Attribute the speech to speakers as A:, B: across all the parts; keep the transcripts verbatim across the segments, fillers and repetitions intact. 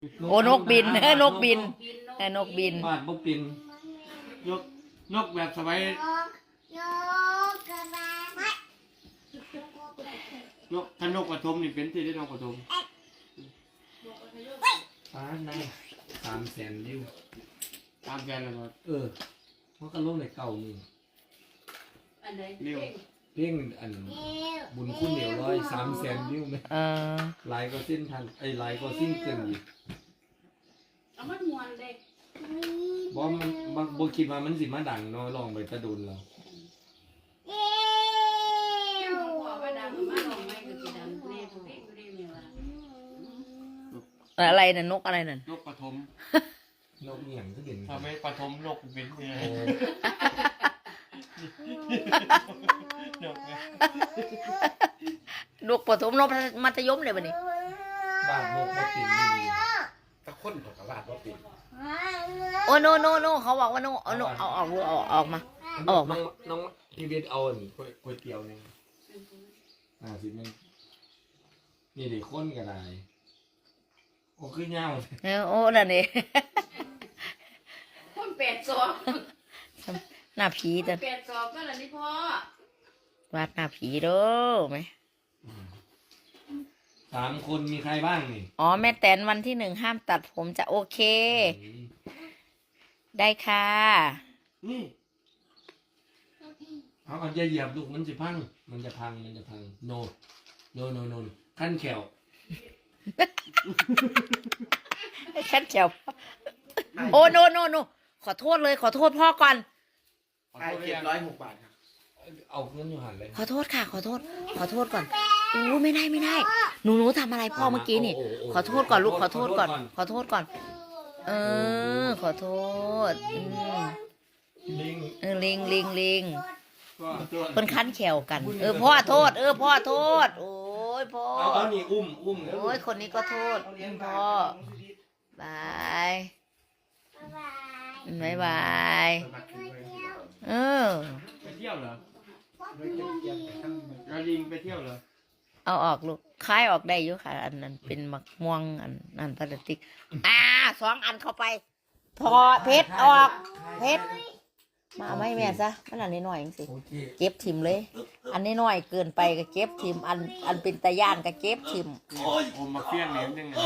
A: โอ้นกบินเออนกบินเออนกบิน
B: บ้านบ่บินนกนกแบบสบายนกถ้านกกระทมนี่เป็นที่ได้นกกระทม
C: ฟ้าในสามแสนวิว
B: ตามแกนเลยครับ
C: เออเพราะก็ลงในเก่านี่
D: อันไหน
B: เร็ว
C: เพ่งอันบุญคุณเหนียวร้อยสามแสนวิวไหม
A: เออ
C: ลายก็สิ้นทันไอ้ลายก็สิ้นเกินอีก
D: เอามันมวนเลย
C: เพราะมันมันบ่คิดว่ามันสิมาดังเนาะลองไปตะดุนเรา
D: บอกว่าดังมาลองไม่ก็จะดังเรียบเรียบเรียบเนี่ยว่า
A: อะไรน่ะนกอะไรน่ะ
B: นกกระทม
C: นกเหนี่ยงก็เห็น
B: ทำไมกระทมนกบินเนี่ย
C: โอ้
B: นกไง
A: นกปฐมนกมัธยมเลยบัดนี้
C: บ้านนกบ่ปิ่นนี่ดี
E: ตะคนกับกระบาดว่าปิด
A: โอ้โนโนโนเขาบอกว่าโนเอาโนเอาออกเอาออกออกมาเอาออกมา
C: น้องน้องพี่เวทเอาอันก๋วยก๋วยเตี๋ยวหนึงอ่าสิแม่งนี่ดิคนก็ได้โอ้คือเหงา
A: เออโอ้นั่นนี่
D: คนแปดศอก
A: หน้าผีแต่
D: แปดศอกก็แล้วนี่พ่อ
A: วาดหน้าผีเด้อไหม
C: สามคนมีใครบ้างนี่
A: อ๋อแม่แตนวันที่หนึ่งห้ามตัดผมจะโอเค ได้ค่ะ
C: นี่เอาเอาอย่าเหยียบลูกมันจะพัง มันจะพัง มันจะพัง โน โน โน โน ขั้นแขว
A: ฉันเจียวโอ้โนโนโนขอโทษเลยขอโทษพ่อก่อน
B: ขอ
E: ไอ้
B: โทษ
E: เจ็ด
B: ยัง
E: ร้อยหกบาทครับ
C: เอาเงินอยู่หันเลย
A: ขอโทษค่ะ ขอโทษ ขอโทษก่อนอู้ไม่ได้ไม่ได้ หนูหนูทำอะไรพ่อเมื่อกี้นี่ ขอโทษก่อนลูกขอโทษก่อน ขอโทษก่อน เออ ขอโทษอืม
C: ลิง
A: เออลิงลิงลิง
B: ก็ตัว
A: คนคั้นแขวกัน เออพ่อโทษ เออพ่อโทษ โอ้ยพ่อ
C: เอาเอานี่อุ้ม อุ้ม
A: โอ้ยคนนี้ก็โทษพ่อบายบายบายเออ
B: ไปเที่ยวเหรอเราลิงไปเที่ยวเหรอ
A: เอาออกลูกคล้ายออกได้อยู่ค่ะ อันนั้นเป็นมักม่วงอันนั้นพลาสติกอ่าสองอันเข้าไปถอดเพชรออกเพชรมาเอาไม่แม่ซะมันอันนี้หน่อยเองสิ
C: โอเค
A: เก็บทิมเลย อันนี้น้อยเกินไปก็เก็บทิมอันอันเป็นตะย่านก็เก็บทิม
B: โอมมาเฟี้ยงเหรียญยังไง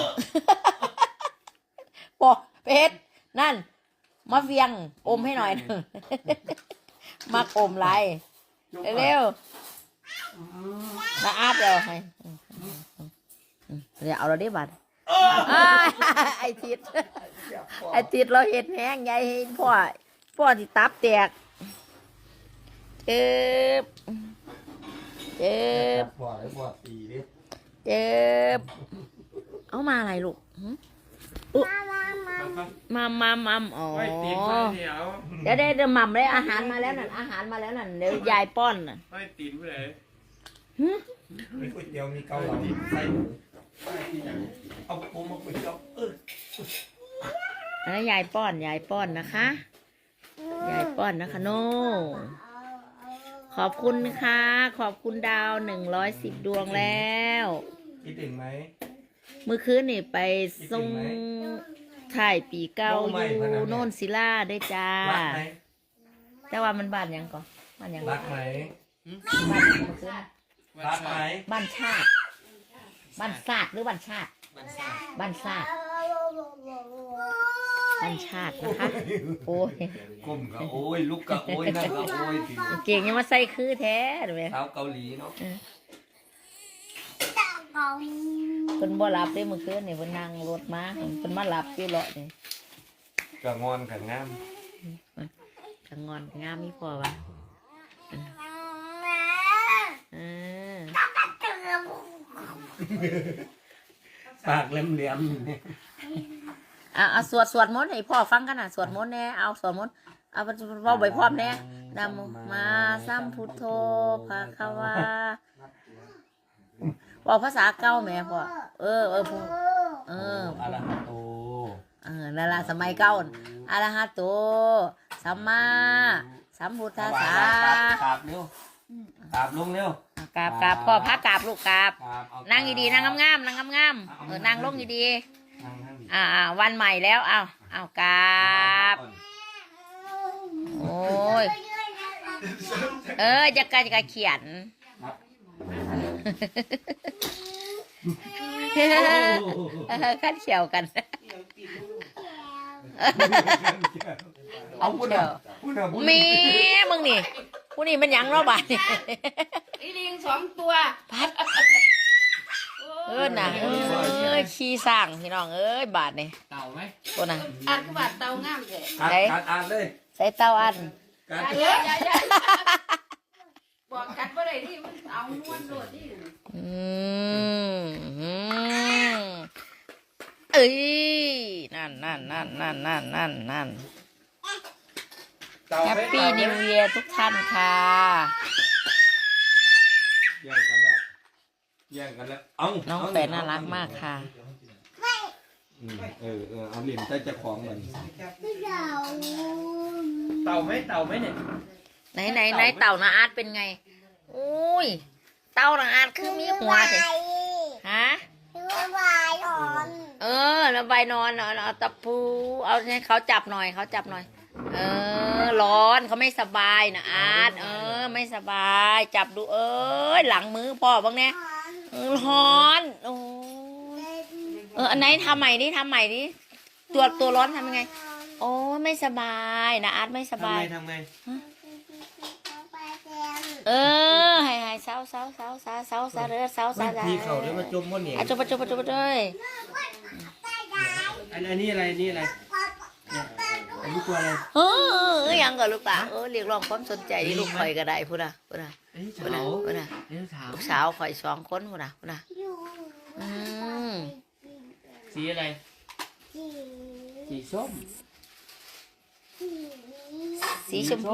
A: บอกเพชรนั่นมาเฟียงอมให้หน่อยหนึ่ง มักอมไรเร็วๆนะอาบเดี๋ยวให้เดี๋ยวเอาเราได้บัตรไอทิดไอทิดเราเห็นแห้งใหญ่เห็นพ่อพ่อที่ตับแตกเจ็บเจ็บ
C: ปอดปอดตีดิ
A: เจ็บเอามาอะไรลูกหึอุ๊มามามาอ๋อ
B: ไม่ตีนไฟเดียว
A: เดี๋ยวเดี๋ยวเดี๋ยวหม่ำเลยอาหารมาแล้วนั่นอาหารมาแล้วนั่นเดี๋ยวยายป้อนน่ะ
B: ไม่ตีนผู้ใด
A: หึ
C: มีก๋วยเตี๋ยวมีเกาเหลาใส่หมูเอาผมมาก๋วยเตี๋ยวเออ
A: อันนั้นยายป้อนยายป้อนนะคะยายป้อนนะคะโน่ขอบคุณค่ะขอบคุณดาวหนึ่งร้อยสิบดวงแล้ว
C: คิดถึงไหม
A: เมื่อคืนนี่ไปส่งถ่ายปีเก่าอยู่โน่นศิลาได้จ้า
C: รักไหม
A: แต่ว่ามันบ้านหยังก่อนบ้านหยัง
C: รักไหม
A: บ้านหยังเมื่อคืน
C: รักไหม
A: บ้านชาติบ้านศาสตร์หรือบ้านชาติ
C: มันซ่า
A: บ้านชาติบ้านชาตินะคะโอ้ย
C: ก้มก็โอ้ยลุกก็โอ้ยนั่งก็โอ้ยสิ
A: เก่งยังมาใส่คือแท้เลย
C: เท้าเกาหลีเนาะ
A: เพิ่นบ่หลับได้เมื่อคืนนี่เพิ่นนั่งรถมาเพิ่นมาหลับอยู่เลาะนี่
C: กะงอนขันงาม
A: กะงอนงามมีพอวะเออ
C: ปากแหลมๆเนี่ย
A: อ่ะเอาสวดสวดมนต์ให้พ่อฟังกันน่ะสวดมนต์แน่เอาสวดมนต์เอาเว้าใบพร้อมแน่นะโมมาสัมพุทโธภะคะวาบอกภาษาเก่าแม่พ่อเออเออพ่อเออ
C: อะระหะโต
A: เออนั่นล่ะสมัยเก่าอะระหะโตสัมมาสัมพุทธัสสะ
C: กราบเร็วกราบลงเร็ว
A: กราบกราบพ่อพระกราบลูกกราบ
C: กราบเอา
A: นั่งดีๆนั่งงามๆนั่งงามๆเออนั่งลงดี
C: นั่งนั่งดี
A: อ่าอ่าวันใหม่แล้วเอาเอากราบโอ้ยเออจะกะจะกะเขียนเออขั้นเขียวกัน
C: เอาพูดอ่ะพูดอ่ะพูด
A: มีมึงนี่ผู้นี่มันหยังเราบ้านนี่
D: ไอ้ลิงสองตัว
A: พัดเออน่ะเอ้ยขี้สร้างพี่น้องเอ้ยบาทนี่
B: เต่าไหม
A: ตัวน่ะ
D: อัดกระบาดเตางามแท้
C: การการอ่านเลย
A: ใส่เต้าอัน
C: การ
D: เอ้ยอย่าอย่าบอกกันบ่ได้ที่มันเอานวลโลดนี่
A: อืมอืมเอ้ยนั่นนั่นนั่นนั่นนั่นนั่นนั่นแฮปปี้นิวเยียร์ทุกท่านค่ะ
C: แย่งกันแล้วแย่งกันแล้วเอา
A: น้องแฝดน่ารักมากค่ะ
C: อืมเออเออเอาเหรียญใต้จะคล้องมัน
B: เต่าไหมเต่าไหมเนี่ย
A: ไหนไหนไหนเต่านาอาร์ตเป็นไงอุ้ยเต่านาอาร์ตคือมีหัวสิฮะเออแล้วใบนอนเอาเอาตะปูเอาให้เขาจับหน่อยเขาจับหน่อย เออร้อนเขาไม่สบายนะอาร์ตเออไม่สบาย จับดูเอ้ยหลังมือพ่อบ้างเนี่ยเออร้อนโอ้ยเอออันไหนทำใหม่ดิทำใหม่ดิตัวตัวร้อนทำยังไง โอ้ยไม่สบายนะอาร์ตไม่ส
B: ทำ
A: บา
B: ไง
A: ย
B: ทำไง
A: เออให้ให้เศร้าเศร้าเศร้าเศร้าเศร้าเศร้าเด้อเศร้าเศร้า
B: ทีเขาเลยมาจมว่าเนี่ย
A: อ่ะจบไปจบไปจบไปเลย
B: อันอันนี้อะไรนี่อะไรเนี่ยอันนี้ตัวอะไร
A: เออยังก่อนลูกตาเออเรียกร้องความสนใจที่ลูกข่อยก็ได้พูดนะพูดนะ
B: อันนี้
A: พูดนะ
B: เต่า
A: พูดนะ
B: อันนี้เต่า
A: ลูกสาวข่อยสองคนพูดนะพูดนะอืม
B: สีอะไรสีส้ม
A: สีชมพู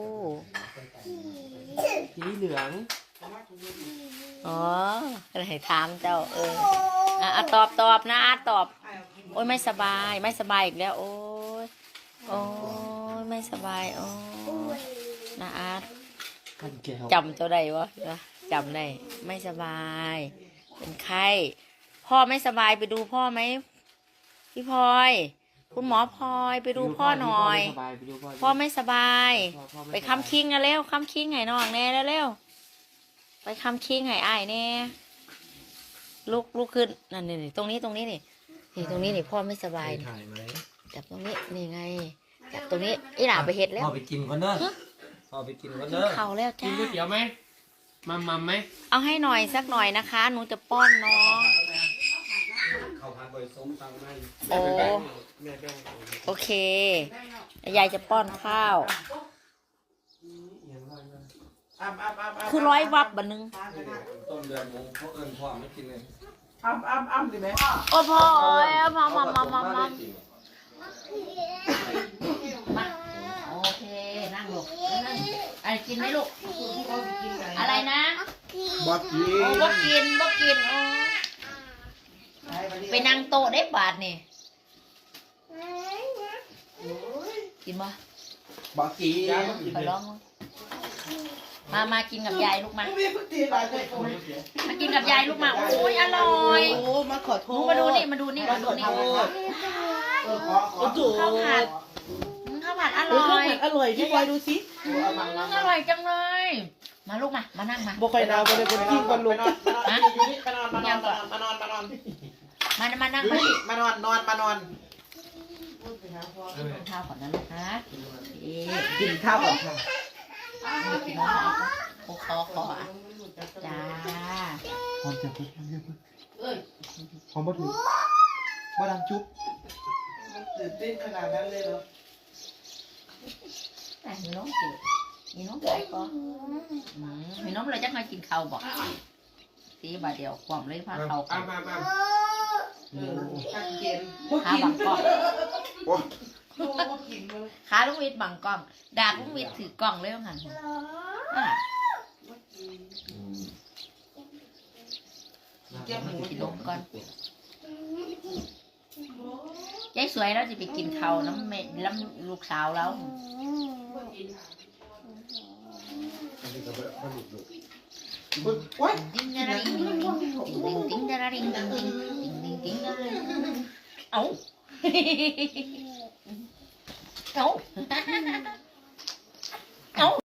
B: สีเหลือง
A: อ๋ออะไรถามเจ้าเอออ่ะอ่ะตอบตอบนะอาร์ตตอบโอ้ยไม่สบายไม่สบายอีกแล้วโอ้ยโอ้ยไม่สบายโอ้ยนะอาร์ต
B: กันแก้ว
A: จำตัวใดวะจำได้ไม่สบาย เป็นไข้พ่อไม่สบายไปดูพ่อไหมพี่พลอยคุณหมอพลอยไปดูพ่อหน่อย
B: ไปดูพ่อ
A: พ่อไม่สบาย
B: พ่อพ่อม่
A: ไปคำคิงนะเร็วคำคิงให้น้องแน่แล้วเร็วไปคำคิงให้อ้ายแน่ลุกลุกขึ้นนั่นนี่นี่ตรงนี้ตรงนี้นี่นี่ตรงนี้นี่พ่อไม่สบายนี่
C: ถ่ายไหม
A: จับตรงนี้นี่ไงจับตรงนี้อีหล่าไปเห็ดแล้ว
C: พ่อไปกินก่อนเนอะพ่อไปกินก่อนเนอะ
A: เข่าแล้ว
B: กิน
A: จ้า
B: ก๋วยเตี๋ยวไหมมัมมัมไหม
A: เอาให้หน่อยสักหน่อยนะคะหนูจะป้อนน้อง
C: ข้าวผัดใบส้มตังไม่
A: โอ้
B: แม่แบ่ง
A: โอเคยายจะป้อนข้าว
E: อ้ำอ้ำอ้ำอ้ำ
A: คือร้อยวับบันนึง
C: ต้นเดือนมงเขาเอิญพ่อไม่กินเลย
E: อ้ำอ้ำอ้ำดิแม่
A: โอ้พ่อเอ้ยมามามามามามาโอเคนั่งลูกนั่งอะไรกินไหมลูกอะไรนะ
E: บักยี
A: โอ้บ่กินบ่กินโอ้ไปนั่งโต๊ะได้บาทนี่กินบ่
E: บักยี
A: ขอร้องมามากินกับยายลูกมา
E: ไม่พูดตีอะไรเลย
A: มากินกับยายลูกมาโอ้ยอร่อย
E: โอ้มาขอโท
A: หนู
E: ษ
A: มาดูนี่มาดูนี่มาดูนี่
E: เออขอขอโทษ
A: ข้าวผัดอืมข้าวผัดอ
E: เออ
A: ร่
E: ข้าว
A: อย
E: ผัดอร่อยพี่บอยดูสิ
A: อืมอร่อยจังเลย มาลูกมามานั่งมา
E: บ่ค่อยนาวบ่ได้คนกิ้งคนลุก
A: ฮะ
E: มานอนมานอนมานอนมานอน
A: มามานั่ง
E: อยู่
A: มา
E: นี่มานอนนอนมานอน
A: กินข้าวก่อนนะลูกนะเอ๊ะ
E: กินข้าวก่อนค่ะ
A: กินน้ำอะไรโอ้ขอขออ่ะจ้า
E: หอมจับหอมบ่ถูกบ่ดังจุ๊บตื่นเต้นขนาดนั้นเลยเหรอ
A: แต่มีน้องกินมีน้องไก่ก็อืมมีน้องเลยจะมากินข้าวบอกตีบาทเดียวความเลยพาเขากั
B: อ้าน มอ้ามอ้าม
E: เออชักเย็น
A: ขาบังกล้อง
E: โอ้บ่กินเลย
A: ขาลุงวิทย์บังกล้อง ดาบลุงวิทย์ถือกล้องเลยว่างั้นอ่ะ
E: แก้มหมู
A: กินลงก่อนยายสวยแล้วจะไปกินข้าวน้ำเม็ดน้ำลูกสาวแล้ว
E: โอ๊ย
A: ติ้งดาราดิ้งติ้งติ้งติ้งดาราดิ้งติ้งติ้งติ้งติ้งติ้งดาราดิ้งเอาเอาเอา